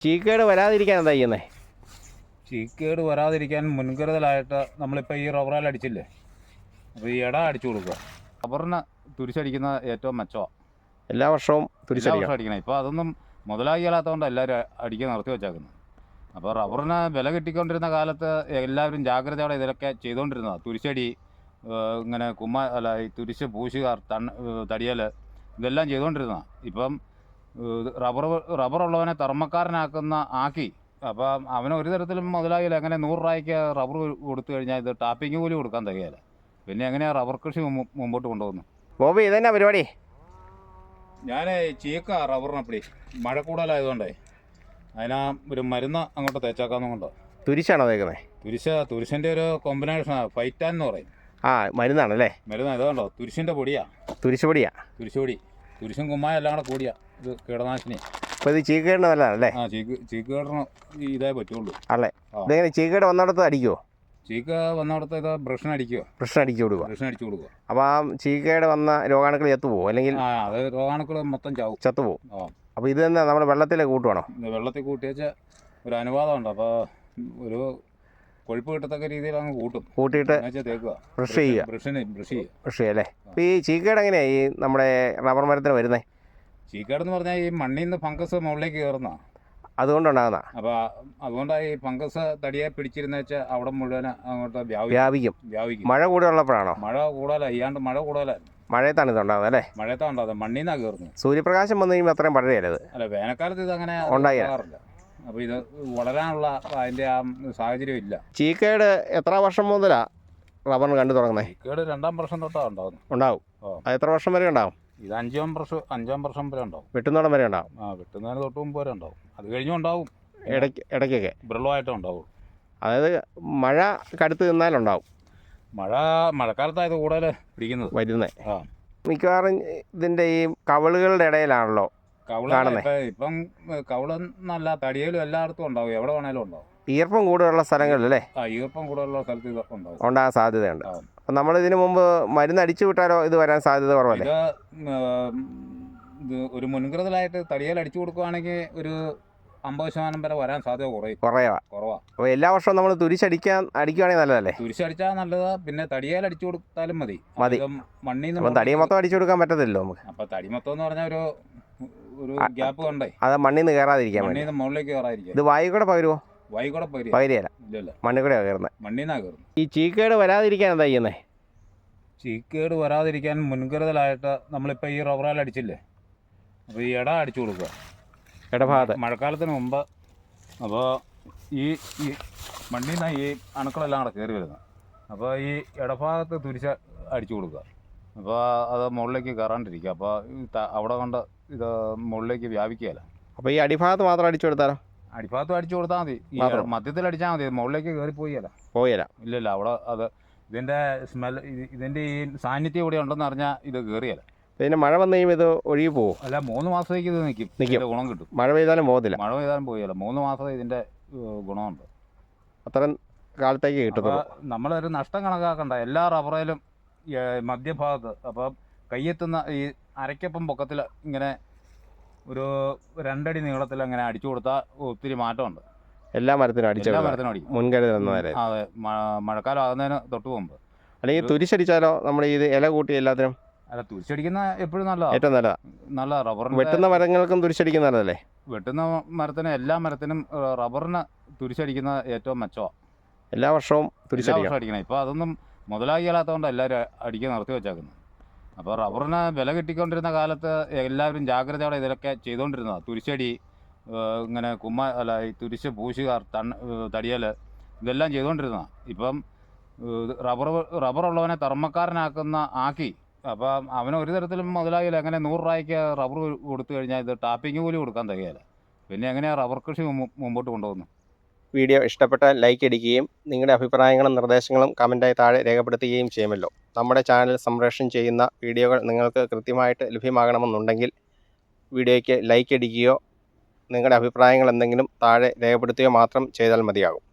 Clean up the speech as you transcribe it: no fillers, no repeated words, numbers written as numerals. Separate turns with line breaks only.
ചീക്കേട് വരാതിരിക്കാൻ എന്താ ചെയ്യുന്നത്?
ചീക്കേട് വരാതിരിക്കാൻ മുൻകരുതലായിട്ട് നമ്മളിപ്പോൾ ഈ റബ്ബറേൽ അടിച്ചില്ലേ, അപ്പോൾ ഈ ഇട അടിച്ചു കൊടുക്കുക. റബ്ബറിന് തുരിശടിക്കുന്ന ഏറ്റവും മെച്ചമാണ്.
എല്ലാ വർഷവും
അടിക്കണം. ഇപ്പോൾ അതൊന്നും മുതലാകിയാലാത്തതുകൊണ്ട് എല്ലാവരും അടിക്കാൻ നിർത്തി വെച്ചേക്കുന്നത്. അപ്പോൾ റബ്ബറിന് വില കിട്ടിക്കൊണ്ടിരുന്ന കാലത്ത് എല്ലാവരും ജാഗ്രതയോടെ ഇതിലൊക്കെ ചെയ്തുകൊണ്ടിരുന്നതാണ്. തുരിശടി, ഇങ്ങനെ ഈ തുരിശ് പൂശുകാർ, തടിയൽ, ഇതെല്ലാം ചെയ്തുകൊണ്ടിരുന്നതാണ്. ഇപ്പം റബ്ബറുള്ളവനെ തർമ്മക്കാരനാക്കുന്ന ആക്കി. അപ്പം അവന് ഒരു തരത്തിലും മുതലാകില്ല. എങ്ങനെ 100 രൂപയ്ക്ക് റബ്ബർ കൊടുത്തു കഴിഞ്ഞാൽ ഇത് ടാപ്പിങ് കൂലി കൊടുക്കാൻ തികയില്ല. പിന്നെ എങ്ങനെയാണ് റബ്ബർ കൃഷി മുമ്പോട്ട് കൊണ്ടുപോകുന്നത്?
ബോബി, ഇതന്നെ പരിപാടി?
ഞാൻ ചീക്ക റബ്ബറിനപ്പടി മഴ കൂടുതലായതുകൊണ്ടേ അതിനാ ഒരു മരുന്ന് അങ്ങോട്ട് തേച്ചാക്കാന്നുകൊണ്ട്.
തുരിശാണോ തേക്കുന്നത്?
തുരിശിൻ്റെ ഒരു കോമ്പിനേഷനാണ്, ഫൈറ്റാൻ എന്ന് പറയും.
മരുന്നാണല്ലേ?
മരുന്ന് ഇതുകൊണ്ടോ, തുരിശിൻ്റെ പൊടിയാ. തുരിശ് പൊടി, തുരിശും കുമ്മായം എല്ലാം കൂടെ കൂടിയാ ഇത് കീടനാശിനി.
അപ്പോൾ ഇത് ചീക്കേടിന് നല്ലതാണല്ലേ?
ചീക്കേടിന് ഇതേ പറ്റുള്ളൂ
അല്ലേ? ഇതെങ്ങനെ ചീക്കേട് വന്നിടത്ത് അടിക്കുമോ?
ചീക്ക വന്നിടത്ത് ഇത് ബ്രഷിന് അടിച്ചു കൊടുക്കുക.
അപ്പോൾ ആ ചീക്കേട് വന്ന രോഗാണുക്കൾ ചത്തുപോകും, അല്ലെങ്കിൽ
അത് രോഗാണുക്കൾ മൊത്തം
ചത്തുപോകും. അപ്പോൾ ഇത് തന്നെ നമ്മൾ വെള്ളത്തിൽ കൂട്ടുവാണോ?
വെള്ളത്തിൽ കൂട്ടിയേച്ച് ഒരു അനുവാദമുണ്ട്. അപ്പോൾ ഒരു കൊഴുപ്പ് കിട്ടത്തക്ക രീതിയിൽ അങ്ങ് കൂട്ടിയിട്ട് തേക്കുക, ബ്രഷ് ചെയ്യുക
അല്ലേ? അപ്പോൾ ഈ ചീക്കേട് എങ്ങനെയാണ് ഈ നമ്മുടെ റബ്ബർ മരത്തിന് വരുന്നത്?
ചീക്കേടെന്ന് പറഞ്ഞാൽ ഈ മണ്ണിൽ നിന്ന് ഫംഗസ് മുകളിലേക്ക് കയറുന്ന,
അതുകൊണ്ടുണ്ടാകുന്ന.
അപ്പോൾ അതുകൊണ്ടാണ് ഈ ഫംഗസ് തടിയെ പിടിച്ചിരുന്ന വെച്ചാൽ അവിടെ മുഴുവൻ അങ്ങോട്ട് വ്യാപിക്കും.
മഴ കൂടുതലുള്ളപ്പോഴാണോ?
മഴ കൂടുതലാണ്, മഴ കൂടുതലാണ്.
മഴയത്താണ് ഇതുണ്ടാകുന്നത് അല്ലേ?
മഴയത്താണ് ഉണ്ടാകുന്നത്, മണ്ണിൽ നിന്നാണ് കയറുന്നത്.
സൂര്യപ്രകാശം വന്നു കഴിയുമ്പോൾ അത്രയും പഴയത്
അല്ല, വേനൽക്കാലത്ത് ഇത് അങ്ങനെ ഉണ്ടാകാറില്ല. അപ്പോൾ ഇത് വളരാനുള്ള അതിൻ്റെ ആ സാഹചര്യം ഇല്ല.
ചീക്കേട് എത്ര വർഷം മുതലാണ് റബ്ബറിന് കണ്ടു തുടങ്ങുന്നത്?
ചീക്കേട് 2ാം വർഷം തൊട്ടാണ്
ഉണ്ടാവും. അത് എത്ര വർഷം വരെ ഉണ്ടാവും?
ഇത് 5ാം വർഷം വരെ ഉണ്ടാവും.
വെട്ടുന്നോടം വരെ ഉണ്ടാവും.
വെട്ടുന്നതിന് തൊട്ട് മുമ്പ് വരെ ഉണ്ടാവും. അത് കഴിഞ്ഞും ഉണ്ടാവും,
ഇടയ്ക്കൊക്കെ
വിരളമായിട്ടും ഉണ്ടാവും.
അതായത് മഴ കടുത്ത് നിന്നാലുണ്ടാവും.
മഴക്കാലത്തായത് കൂടുതൽ പിടിക്കുന്നത്
വരുന്നത്. മിക്കവാറും ഇതിൻ്റെ ഈ കവിളുകളുടെ ഇടയിലാണല്ലോ കാണുന്നത്.
ഇപ്പം കവിളെന്നല്ല, തടിയിലും എല്ലായിടത്തും ഉണ്ടാവും, എവിടെ വേണേലും ഉണ്ടാവും.
ഈർപ്പം കൂടുതലുള്ള സ്ഥലങ്ങളിലല്ലേ?
ഈർപ്പം കൂടുതലുള്ള സ്ഥലത്ത് ഇത്
ഉണ്ടാകാൻ സാധ്യതയുണ്ട്. അപ്പം നമ്മൾ ഇതിനു മുമ്പ് മരുന്ന് അടിച്ചു വിട്ടാലോ ഇത് വരാൻ സാധ്യത കുറവല്ലേ?
ഇത് ഒരു മുൻകരുതലായിട്ട് തടിയിൽ അടിച്ചു കൊടുക്കുകയാണെങ്കിൽ ഒരു 50% വരെ വരാൻ സാധ്യത കുറവാ.
അപ്പോൾ എല്ലാ വർഷവും നമ്മൾ അടിക്കുകയാണെങ്കിൽ നല്ലതല്ലേ?
തുരിശടിച്ചാൽ നല്ലതാ. പിന്നെ തടിയിൽ അടിച്ചു കൊടുത്താലും മതി. മണ്ണിൽ നിന്ന്
തടി മൊത്തം അടിച്ചു കൊടുക്കാൻ പറ്റത്തില്ലല്ലോ നമുക്ക്.
അപ്പം തടി മൊത്തം എന്ന് പറഞ്ഞാൽ ഒരു ഗ്യാപ്പ് കണ്ടേ,
അത് മണ്ണിൽ നിന്ന് കയറാതിരിക്കാൻ,
മണ്ണിൽ നിന്ന് മുകളിലേക്ക് കയറാതിരിക്കാൻ.
ഇത് വായു കൂടെ പകരുമോ? പകരിയല്ല, മണ്ണിൽ കൂടെ കയറുന്നത്.
മണ്ണിൽ നിന്നാണ് കയറുന്നത്.
ഈ ചീക്കേട് വരാതിരിക്കാൻ എന്താ ചെയ്യുന്നത്?
ചീക്കേട് വരാതിരിക്കാൻ മുൻകരുതലായിട്ട് നമ്മളിപ്പോൾ ഈ റബ്ബറേൽ അടിച്ചില്ലേ, അപ്പോൾ ഈ ഇട അടിച്ചു കൊടുക്കുക,
ഇടഭാഗത്ത്
മഴക്കാലത്തിന് മുമ്പ്. അപ്പോൾ ഈ മണ്ണിൽ നിന്നാണ് ഈ അണുക്കളെല്ലാം കൂടെ കയറി വരുന്നത്. അപ്പോൾ ഈ ഇടഭാഗത്ത് തുരിശ് അടിച്ചു കൊടുക്കുക. അപ്പോൾ അത് മുകളിലേക്ക് കയറാണ്ടിരിക്കുക. അപ്പോൾ അവിടെ കൊണ്ട് ഇത് മുകളിലേക്ക് വ്യാപിക്കുകയല്ല.
അപ്പോൾ ഈ അടിഭാഗത്ത് മാത്രം അടിച്ചു കൊടുത്താലോ?
അടിഭാഗത്തും അടിച്ചു കൊടുത്താൽ മതി, ഈ മധ്യത്തിൽ അടിച്ചാൽ മതി. മുകളിലേക്ക് കയറി പോയില്ല. ഇല്ലല്ല, അവിടെ അത് ഇതിൻ്റെ ഇതിൻ്റെ ഈ സാന്നിധ്യം ഇവിടെ ഉണ്ടെന്ന് അറിഞ്ഞാൽ ഇത് കയറിയല്ല.
പിന്നെ മഴ വന്നു കഴിയുമ്പോൾ ഇത് ഒഴുകി പോകും?
അല്ല, 3 മാസത്തേക്ക് ഇത് നിൽക്കും, ഗുണം കിട്ടും.
മഴ പെയ്താലും പോകത്തില്ല?
മഴ പെയ്താലും പോയല്ല, 3 മാസം ഇതിൻ്റെ ഗുണമുണ്ട്.
അത്രയും കാലത്തേക്ക് കിട്ടും.
നമ്മളൊരു നഷ്ടം കണക്കാക്കണ്ട. എല്ലാ റബ്ബറേലും മധ്യഭാഗത്ത്, അപ്പം കയ്യെത്തുന്ന ഈ അരയ്ക്കപ്പം പൊക്കത്തിൽ ഇങ്ങനെ ഒരു 2 അടി നീളത്തിൽ അങ്ങനെ അടിച്ചു കൊടുത്താൽ ഒത്തിരി മാറ്റമുണ്ട്.
എല്ലാ മരത്തിനും അടിക്കും, മുൻകരുതൽ.
അതെ, മഴക്കാലം ആകുന്നതിന് തൊട്ട് മുമ്പ്.
അല്ലെങ്കിൽ തുരിശടിച്ചാലോ? നമ്മൾ ഇത് ഇല കൂട്ടി എല്ലാത്തിനും?
അല്ല, തുരിശടിക്കുന്ന എപ്പോഴും നല്ലതാണ്,
ഏറ്റവും
നല്ല റബ്ബറിന്.
വെട്ടുന്ന മരങ്ങൾക്കും തുരിശടിക്കുന്ന നല്ലതല്ലേ?
വെട്ടുന്ന മരത്തിന്, എല്ലാ മരത്തിനും റബ്ബറിന് തുരിശടിക്കുന്ന ഏറ്റവും മെച്ചമാണ്.
എല്ലാ വർഷവും
അടിക്കണം. ഇപ്പോൾ അതൊന്നും മുതലാകിയാലാത്തതുകൊണ്ട് എല്ലാവരും അടിക്കാൻ നിർത്തി വെച്ചേക്കുന്നത്. അപ്പോൾ റബ്ബറിന് വില കിട്ടിക്കൊണ്ടിരുന്ന കാലത്ത് എല്ലാവരും ജാഗ്രതയോടെ ഇതിലൊക്കെ ചെയ്തുകൊണ്ടിരുന്നതാണ്. തുരിശടി, ഇങ്ങനെ ഈ തുരിശ് പൂശുകാർ, തടിയൽ, ഇതെല്ലാം ചെയ്തുകൊണ്ടിരുന്നതാണ്. ഇപ്പം റബ്ബറുള്ളവനെ തർമ്മക്കാരനാക്കുന്ന ആക്കി. അപ്പം അവന് ഒരു തരത്തിലും മുതലാകില്ല. എങ്ങനെ 100 രൂപയ്ക്ക് റബ്ബർ കൊടുത്തു കഴിഞ്ഞാൽ ഇത് ടാപ്പിങ് കൂലി കൊടുക്കാൻ തികയില്ല. പിന്നെ എങ്ങനെയാണ് റബ്ബർ കൃഷി മുമ്പോട്ട് കൊണ്ടുപോകുന്നത്?
വീഡിയോ ഇഷ്ടപ്പെട്ടാൽ ലൈക്ക് അടിക്കുകയും നിങ്ങളുടെ അഭിപ്രായങ്ങളും നിർദ്ദേശങ്ങളും കമൻറ്റായി താഴെ രേഖപ്പെടുത്തുകയും ചെയ്യുമല്ലോ. നമ്മുടെ ചാനൽ സംപ്രേഷണം ചെയ്യുന്ന വീഡിയോകൾ നിങ്ങൾക്ക് കൃത്യമായിട്ട് ലഭ്യമാകണമെന്നുണ്ടെങ്കിൽ വീഡിയോയ്ക്ക് ലൈക്ക് അടിക്കുകയോ നിങ്ങളുടെ അഭിപ്രായങ്ങൾ എന്തെങ്കിലും താഴെ രേഖപ്പെടുത്തുകയോ മാത്രം ചെയ്താൽ മതിയാകും.